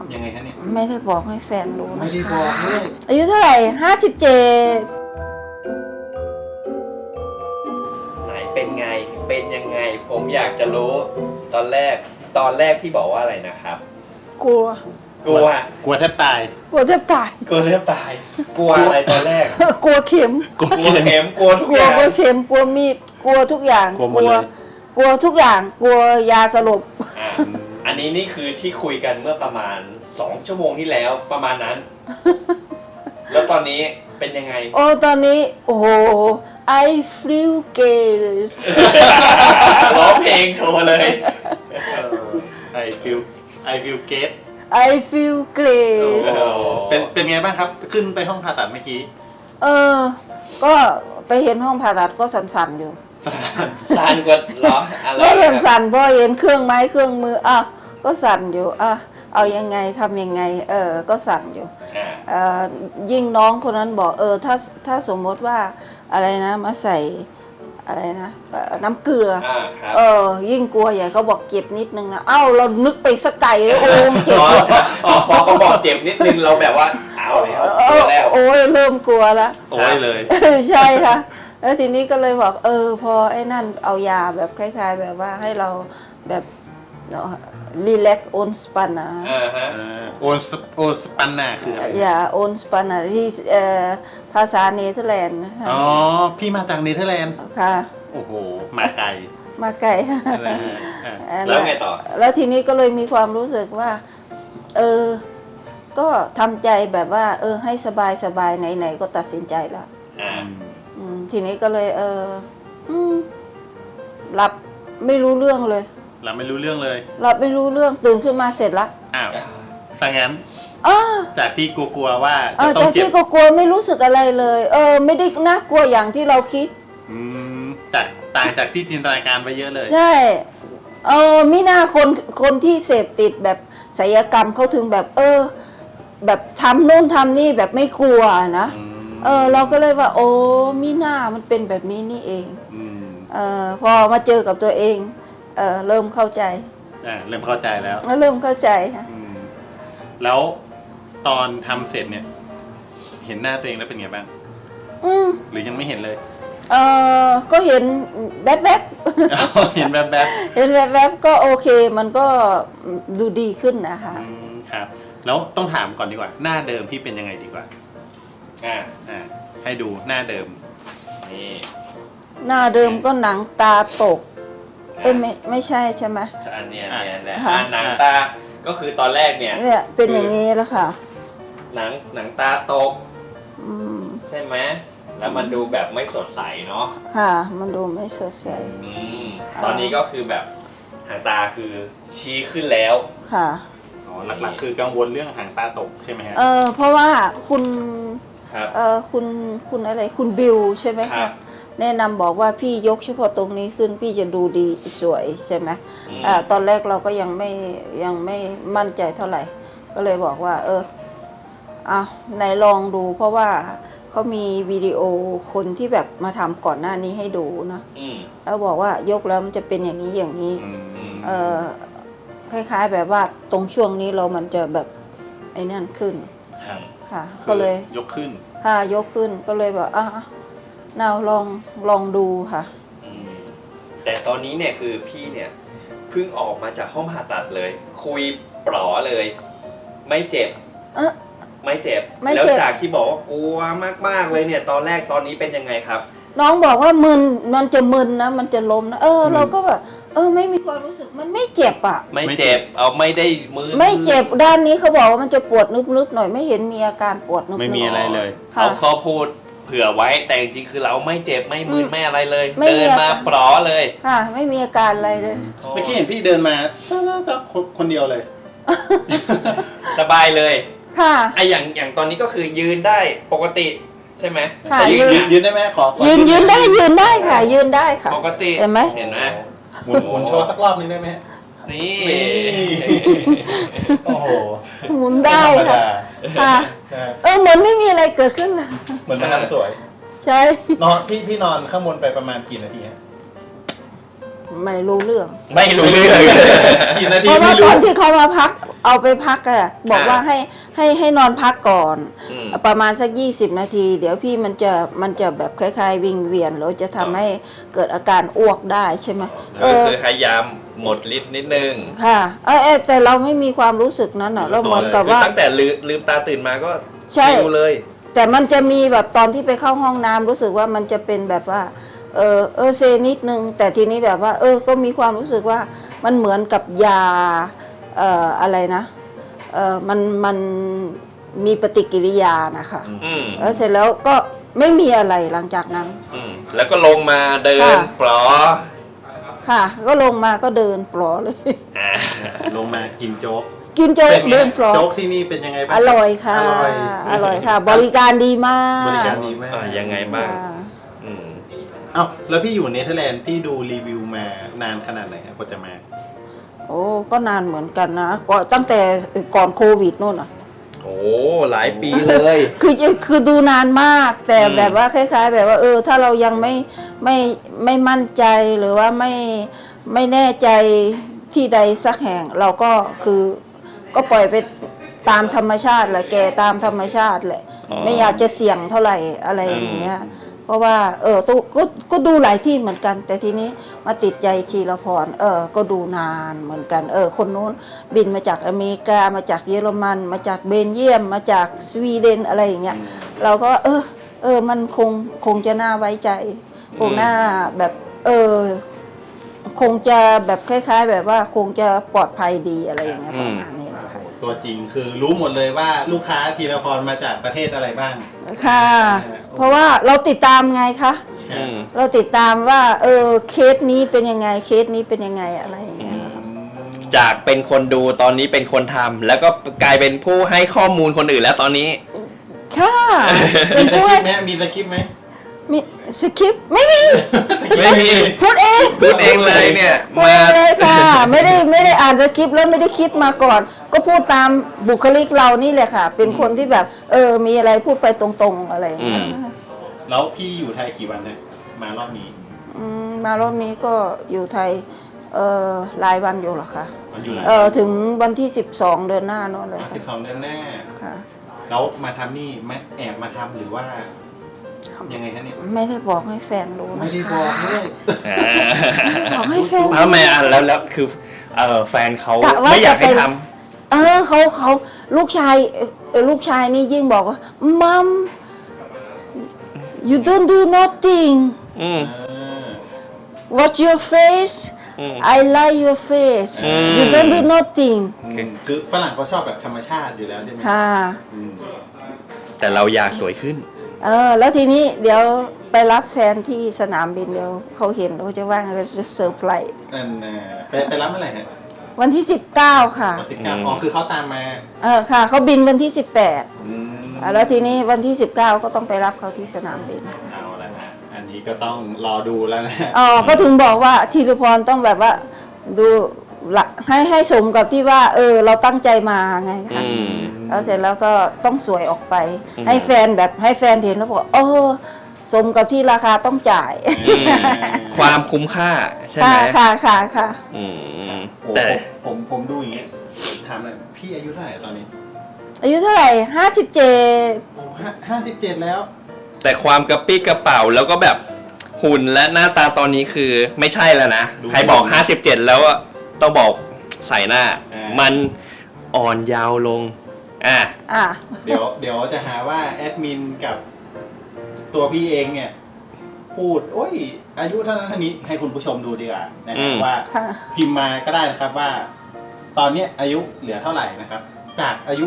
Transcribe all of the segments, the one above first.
ยังไงฮะเนี่ยไม่ได้บอกให้แฟนรู้ไม่นะได้บคะอกด้วยอายุเท่าไหร่57 ไหนเป็นไงเป็นยังไงผมอยากจะรู้ตอนแรกพี่บอกว่าอะไรนะครับกลัวกลัวกลัวแทบตายกลัวแทบตายกลัวเลือดตายกลัวอะไรตอนแรกกลัวเข็มกลัวกลัวเข็มกลัวทุกกลัอวย่างกลัวเข็มกลัวมีดกลัวทุกอย่างกลัวหมดเลยกลัวทุกอย่างกลัวยาสลบอ่ะอันนี้นี่คือที่คุยกันเมื่อประมาณ2 ชั่วโมงที่แล้วประมาณนั้น แล้วตอนนี้เป็นยังไงโอ้ตอนนี้โอ้โห I feel gay เลยร้องเพลงโชว์เลย I feel get I feel gay เป็นไงบ้างครับ ขึ้นไปห้องผ่าตัดเมื่อกี้ก็ไปเห็นห้องผ่าตัดก็สั่นๆอยู่ซานกว่าเหรออะไรก็เห็นครับสั่นเพราะเห็นเครื่องไม้เครื่องมือก็สั่นอยู่เอายังไงทำยังไงก็สั่นอยู่อ่ายิ่งน้องคนนั้นบอกถ้าสมมติว่าอะไรนะมาใส่อะไรนะน้ำเกลือครับยิ่งกลัวใหญ่เขาบอกเจ็บนิดนึงนะเรานึกไปสักไกลแล้วโอ้เจ็บพอเขาบอกเจ็บนิดนึงเราแบบว่าเอาแล้วเจอแล้วโอ้ยเริ่มกลัวแล้วโอ้ยเลยใช่ค่ะแล้วทีนี้ก็เลยบอกพอไอ้นั่นเอายาแบบคล้ายๆ แบบว่าให้เราแบบรีแลกโอนสปันนะฮะโอสปันน่ะคืออะไรยาโอนสปันนะที่ภาษาเนเธอร์แลนด์นะคะอ๋อ พี่มาจากเนเธอร์แลนด์ค่ะโอ้โห มาไกลมาไกลอะไรฮะอ่ะแล้วไงต่อแล้วทีนี้ก็เลยมีความรู้สึกว่าก็ทำใจแบบว่าให้สบายไหนๆก็ตัดสินใจแล้ว ทีนี้ก็เลยหลับไม่รู้เรื่องเลยเราไม่รู้เรื่องเลยหลับไม่รู้เรื่องตื่นขึ้นมาเสร็จละอ้าวสังงั้นอ้าจากที่กลัวๆว่าจะต้อจาง กเจ็ที่บก็กลัวไม่รู้สึกอะไรเลยไม่ได้น่ากลัวอย่างที่เราคิดจากต่างจากที่จินตนาการไปเยอะเลยใช่มิน่าคนที่เสพติดแบบศิลปกรรมเขาถึงแบบแบบทำโน่นทำนี่แบบไม่กลัวนะเราก็เลยว่าโอ้มิน่ามันเป็นแบบนี้นี่เองพอมาเจอกับตัวเองเริ่มเข้าใจเริ่มเข้าใจแล้วเริ่มเข้าใจค่ะแล้วตอนทำเสร็จเนี่ย เห็นหน้าตัวเองแล้วเป็นไงบ้างหรือยังไม่เห็นเลยก็เห็นแวบเห็นแบบเห็นแวบก็โอเคมันก็ดูดีขึ้นนะคะครับ แล้วต้องถามก่อนดีกว่า หน้าเดิมพี่เป็นยังไงดีกว่าให้ดูหน้าเดิมนี่หน้าเดิมก็หนังตาตกไม่ใช่ใช่ไหมอันเนี้ยแหละค่ะหนังตาก็คือตอนแรกเนี่ยเนี่ยเป็นอย่างนี้แล้วค่ะหนังตาตกใช่ไหมแล้วมันดูแบบไม่สดใสเนาะค่ะ มันดูไม่สดใสตอนนี้ก็คือแบบหางตาคือชี้ขึ้นแล้วค่ะหลักๆคือกังวลเรื่องหางตาตกใช่ไหมฮะเพราะว่าคุณครับคุณอะไรคุณบิวใช่ไหมครัคะบแนะนำบอกว่าพี่ยกเฉพาะตรงนี้ขึ้นพี่จะดูดีสวยใช่ไหมตอนแรกเราก็ยังไม่มั่นใจเท่าไหร่ ก็เลยบอกว่าไหนลองดู เพราะว่าเขามีวิดีโอคนที่แบบมาทำก่อนหน้านี้ให้ดูนะแล้วบอกว่ายกแล้วมันจะเป็นอย่างนี้อย่างนี้คล้ายๆแบบว่าตรงช่วงนี้มันจะแบบไอ้นั่นขึ้นค่ะก็เลยยกขึ้นยกขึ้นก็เลยแบบเราลองดูค่ะแต่ตอนนี้เนี่ยคือพี่เนี่ยเพิ่งออกมาจากห้องผ่าตัดเลย คุยปลอเลย ไม่เจ็บไม่เจ็บแล้วจากที่บอกว่ากลัวมากๆเลยเนี่ยตอนแรกตอนนี้เป็นยังไงครับน้องบอกว่ามึนมันจะมึนนะมันจะล้มนะเราก็แบบไม่มีความรู้สึกมันไม่เจ็บอ่ะไม่เจ็บเอาไม่ได้มือไม่เจ็บด้านนี้เขาบอกว่ามันจะปวดนึบๆหน่อยไม่เห็นมีอาการปวดนึบๆไม่มีอะไรเลยเขาพูดเผื่อไว้แต่จริงๆคือเราไม่เจ็บไม่มึนไม่อะไรเลยไม่มีเดินมาปลอเลยค่ะไม่มีอาการอะไรเลยเมื่อกี้เห็นพี่เดินมาคนเดียวเลยสบายเลยค่ะไออย่างตอนนี้ก็คือยืนได้ปกติใช่ไหมค่ะแต่ยืนได้ไหมขอยืนได้ค่ะยืนได้ค่ะปกติเห็นไหมเห็นไหมหมุนโชว์สักรอบนึงได้ไหมนี่โอ้โหหมุนได้ค่ะค่ะเหมือนไม่มีอะไรเกิดขึ้นเลยเหมือนมาทำสวยใช่นอนพี่นอนข้างบนไปประมาณกี่นาทีฮะไม่รู้เรื่องไม่รู้เรื่องกี่นาเพทีราะว่าไม่ตรู้อนที่เขามาพักเอาไปพักอะบอกว่าให้นอนพักก่อนอืมประมาณสัก20 นาที เดี๋ยวพี่มันจะแบบคล้ายๆวิงเวียนหรือจะทำให้เกิดอาการอ้วกได้ใช่ไหมก็คือพยายามหมดฤทธิ์นิดนึงค่ะแต่เราไม่มีความรู้สึกนั้นอะเราเหมือนกับคือว่าตั้งแต่ลืมตาตื่นมาก็ใช่ชิลเลยแต่มันจะมีแบบตอนที่ไปเข้าห้องน้ำรู้สึกว่ามันจะเป็นแบบว่าเซนิดนึงแต่ทีนี้แบบว่าก็มีความรู้สึกว่ามันเหมือนกับยาอะไรนะมันมีปฏิกิริยานะคะอืมแล้วเสร็จแล้วก็ไม่มีอะไรหลังจากนั้นอืมแล้วก็ลงมาเดินค่ะปลอค่ะ ก็ลงมาก็เดินปลอเลยอ่าลงมากินโจ๊กกินโจ๊กเป็นไงเดินปลอโจ๊กที่นี่เป็นยังไงบ้างอร่อยค่ะอร่อยอร่อยค่ะ บริการดีมากบริการดีมากยังไงบ้างค่ะอืมเอ้าแล้วพี่อยู่เนเธอร์แลนด์พี่ดูรีวิวมานานขนาดไหนครับกว่าจะมาโอ้ก็นานเหมือนกันนะก็ตั้งแต่ก่อนโควิดนู่นอ่ะโอ้หลายปีเลยคือดูนานมากแต่อืมแบบว่าคล้ายๆ แบบว่าถ้าเรายังไม่มั่นใจหรือว่าไม่แน่ใจที่ใดสักแห่งเราก็คือก็ปล่อยไปตามธรรมชาติแหละแกตามธรรมชาติแหละไม่อยากจะเสี่ยงเท่าไหร่อะไรอย่างเงี้ยเพราะว่าตู้ก็ดูหลายที่เหมือนกัน แต่ทีนี้มาติดใจทีละพรก็ดูนานเหมือนกันคนนู้นบินมาจากอเมริกามาจากเยอรมันมาจากเบลเยียมมาจากสวีเดนอะไรอย่างเงี้ยเราก็มันคงจะน่าไว้ใจคงน่าแบบคงจะแบบคล้ายๆ แบบว่าคงจะปลอดภัยดีอะไรอย่างเงี้ยประมาณนี้นะคะตัวจริงคือรู้หมดเลยว่าลูกค้าทีละพรมาจากประเทศอะไรบ้างค่ะ เพราะว่าเราติดตามไงคะอืมเราติดตามว่าเคสนี้เป็นยังไงเคสนี้เป็นยังไงอะไรอย่างเงี้ยจากเป็นคนดูตอนนี้เป็นคนทำแล้วก็กลายเป็นผู้ให้ข้อมูลคนอื่นแล้วตอนนี้ค่ะ เป็มีนสผู้คริปต์ไหมมีสคริปต์ไหมมีสคริปต์ไม่มีไม่มีพูดเองพูดเองเลยเนี่ยพูดเองเลยค่ะไม่ได้อ่านสคริปต์แล้วไม่ได้คิดมาก่อน ก็พูดตามบุคลิกเรานี่แหละค่ะ เป็นคนที่แบบมีอะไรพูดไปตรงๆอะไรอย่างเงี้ยแล้วพี่อยู่ไทยกี่วันเนี่ยมารอบนี้มารอบนี้ก็อยู่ไทยหลายวันอยู่หรอคะมันอยู่ไหนถึงวันที่12 เดือนหน้าโน่นเลยค่ะ 12 เดือนหน้าค่ะแล้วมาทำนี่ไม่แอบมาทำหรือว่ายังไงฮะเนี่ยไม่ได้บอกให้แฟนรู้นะคะไม่ได้บอกด้วยบอกให้แฟนทำไมอ่ะแล้วคือแฟนเขากะว่าไม่อยากให้จะเป็นทเขาลูกชายนี่ยิ่งบอกว่ามัม you don't do nothing ำอืม watch your face อืม I like your face อืม you don't do nothing คือฝรั่งเขาชอบแบบธรรมชาติอยู่แล้วใช่ไหมค่ะอืมแต่เราอยากสวยขึ้นแล้วทีนี้เดี๋ยวไปรับแฟนที่สนามบินเดี๋ยวเขาเห็นเขาจะว่าเขาจะเซอร์ไพรส์นั่นน่ะไปรับเมื่อไหร่ฮะวันที่ 19 ค่ะวัน19อ๋อคือเขาตามมาค่ะเขาบินวันที่ 18 อืมแล้วทีนี้วันที่ 19 ก็ต้องไปรับเขาที่สนามบินเอาละฮะอันนี้ก็ต้องรอดูแล้วนะก็ถึงบอกว่าธีรพรต้องแบบว่าดูละให้สมกับที่ว่าเราตั้งใจมาไงคะอืมแล้วเสร็จแล้วก็ต้องสวยออกไปอืมให้แฟนเห็นแล้วบอกสมกับที่ราคาต้องจ่ายอืมความคุ้มค่าใช่ไหมค่ะอืมโอ้แต่ผมดูอย่างเงี้ยถามหน่อยพี่อายุเท่าไหร่ตอนนี้อายุเท่าไหร่ 57 โอ้57แล้วแต่ความกระปี้กระเป๋าแล้วก็แบบหุ่นและหน้าตาตอนนี้คือไม่ใช่แล้วนะดูใครบอก 57 แล้วอะต้องบอกใส่หน้าอ่ามัมันอ่อนยาวลง อ่ะเดี๋ยวจะหาว่าแอดมินกับตัวพี่เองเนี่ย พูด โอ้ย อายุเท่านั้นเท่านี้ให้คุณผู้ชมดูดีกว่านะคอืรับมว่าค่ะพิมพ์มาก็ได้นะครับว่า ตอนเนี้ยอายุเหลือเท่าไหร่นะครับ จากอายุ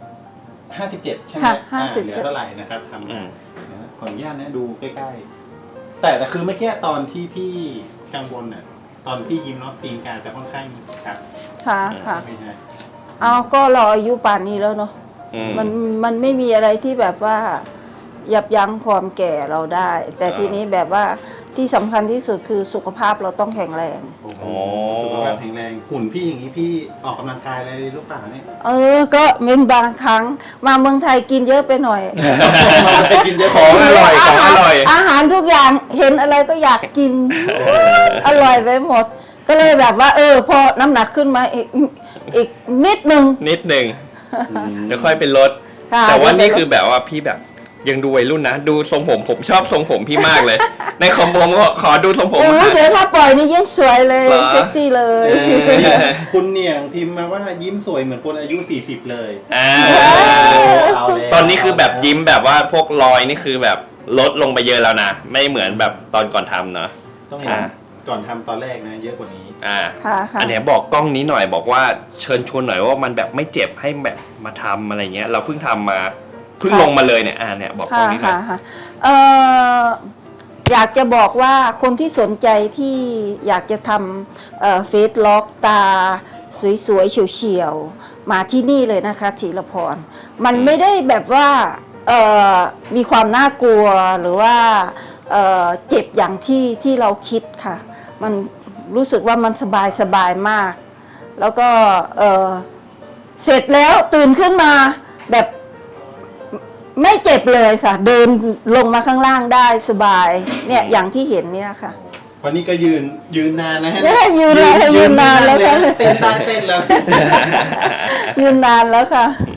57 ใช่ไหมค่ะเหลือ 57 เท่าไหร่นะครับทำอืมาม นะขออนุญาตนะดูใกล้ๆ แต่คือเมื่อกี้ตอนที่พี่กังวลน่ะตอนพี่ยิ้มเนาะตีนกาจะค่อนข้างครับค่ะไม่ใช่ก็รออายุป่านนี้แล้วเนาะอืมมันไม่มีอะไรที่แบบว่ายับยั้งความแก่เราได้ แต่ทีนี้แบบว่าที่สำคัญที่สุดคือสุขภาพเราต้องแข็งแรงโอ้โหโอ้สุขภาพแข็งแรงหุ่นพี่อย่างนี้พี่ออกกำลังกายอะไรหรือเปล่าเนี่ยก็เป็นบางครั้งมาเมืองไทยกินเยอะไปหน่อยไปกินเยอะของอร่อยของอร่อยอาหารทุกอย่างเห็นอะไรก็อยากกิน อร่อยไปหมดก็เลยแบบว่า พอน้ำหนักขึ้นมาอีกนิดนึงนิดหนึ่งเดี๋ยวค่อยเป็นลดค่ะแต่ว่านี่คือแบบว่าพี่แบบยังดูวัยรุ่นนะ ดูทรงผมชอบทรงผมพี่มากเลย ในคอมผมก็ขอดูทรงผมเดี๋ยวถ้าปล่อยนี่ยิ่งสวยเลยเหรอเซ็กซี่เลยคุณเนี่ยพิมพ์มาว่ายิ้มสวยเหมือนคนอายุ 40 เลยอ่าเอาแล้วตอนนี้คือแบบยิ้มแบบว่าพวกรอยนี่คือแบบลดลงไปเยอะแล้วนะ ไม่เหมือนแบบตอนก่อนทำเนาะต้องเห็นก่อนทำตอนแรกนะเยอะกว่านี้ค่ะอันเนี้ยบอกกล้องนี้หน่อยบอกว่าเชิญชวนหน่อยว่ามันแบบไม่เจ็บให้แบบมาทำอะไรเงี้ย เราเพิ่งทำมาเพิ่งลงมาเลยเนี่ยเนี่ยบอกกล้องนี้หน่อยค่ะอยากจะบอกว่าคนที่สนใจที่อยากจะทำเฟซล็อกตาสวยๆเฉียวๆมาที่นี่เลยนะคะธีรพรมันไม่ได้แบบว่ามีความน่ากลัวหรือว่าเจ็บอย่างที่เราคิดค่ะ มันรู้สึกว่ามันสบายมาก แล้วก็เสร็จแล้วตื่นขึ้นมาแบบไม่เจ็บเลยค่ะ เดินลงมาข้างล่างได้สบายเนี่ยอย่างที่เห็นเนี่ยค่ะวันนี้ก็ยืนนานนะฮะยืนนานแล้วค่ะเต้นตาเต้นแล้วยืนนานแล้วค่ะอื